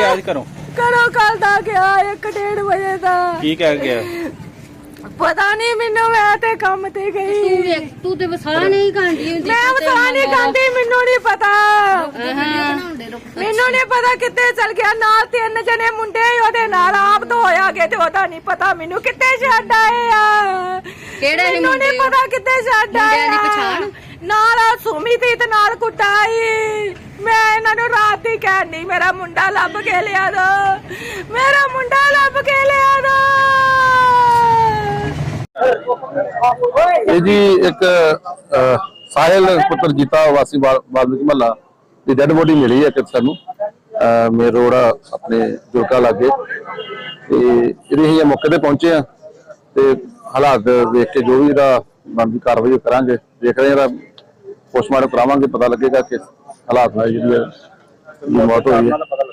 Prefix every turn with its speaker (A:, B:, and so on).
A: ਗਿਆ ਅੱਜ ਘਰੋਂ?
B: ਘਰੋਂ ਕੱਲ ਦਾ ਗਿਆ 1:30 ਵਜੇ ਦਾ।
A: ਕੀ ਕਹਿ ਗਿਆ?
B: ਪਤਾ ਨਹੀਂ ਮੈਨੂੰ, ਮੈਂ ਤੇ ਕੰਮ ਤੇ ਗਈ।
C: ਤੂੰ ਤੇ ਵਸਾ ਨਹੀਂ ਖਾਂਦੀ ਹੁੰਦੀ।
B: ਮੈਂ ਵਸਾ ਨਹੀਂ ਖਾਂਦੀ, ਮੈਨੂੰ ਨਹੀਂ ਪਤਾ। ਮੈਨੂੰ ਨਹੀਂ ਪਤਾ ਕਿੱਥੇ ਚਲ ਗਿਆ। ਨਾਲ 3 ਜਣੇ ਮੁੰਡੇ ਉਹਦੇ ਨਾਲ ਆਪ ਤੋਂ ਹੋਇਆ ਗਏ ਤੇ ਉਹਦਾ ਨਹੀਂ ਪਤਾ ਮੈਨੂੰ ਕਿੱਥੇ ਛੱਡ ਆਏ ਆ।
C: ਕਿਹੜੇ
B: ਮੈਨੂੰ ਨਹੀਂ ਪਤਾ ਕਿੱਥੇ ਛੱਡ ਆਏ
C: ਮੁੰਡਿਆਂ ਦੀ ਪਛਾਣ?
B: ਨਾਲ ਸੁਮੀ ਦੀ ਤੇ ਨਾਲ ਕੁੱਟਾਈ। ਮੈਂ ਇਹਨਾਂ ਨੂੰ ਰਾਤ ਹੀ ਕਹਿਣੀ ਮੇਰਾ ਮੁੰਡਾ ਲੱਭ ਕੇ ਲਿਆ ਦੋ, ਮੇਰਾ ਮੁੰਡਾ ਲੱਭ ਕੇ ਲਿਆ ਦੋ।
D: ਇਹ ਜੀ ਇੱਕ ਸਾਹਿਲ ਪੁੱਤਰ ਜੀਤਾ ਵਾਸੀ ਵਾਲਮੀਕ ਮਹੱਲਾ ਦੀ ਡੈਡ ਬੋਡੀ ਮਿਲੀ ਹੈ ਕਿ ਸਾਨੂੰ ਮੇਨ ਰੋਡ ਆਪਣੇ ਜੁਰਕਾ ਲਾਗੇ ਤੇ ਜਿਹੜੇ ਅਸੀਂ ਮੌਕੇ ਤੇ ਪਹੁੰਚੇ ਆ ਤੇ ਹਾਲਾਤ ਦੇਖ ਕੇ ਜੋ ਵੀ ਇਹਦਾ ਬਣਦੀ ਕਾਰਵਾਈ ਕਰਾਂਗੇ। ਦੇਖ ਰਹੇ ਹਾਂ ਪੋਸਟਮਾਰਟਮ ਕਰਾਵਾਂਗੇ, ਪਤਾ ਲੱਗੇਗਾ ਕਿ ਹਾਲਾਤ ਨਾਲ ਜਿਹੜੀ ਮੌਤ ਹੋਈ ਹੈ।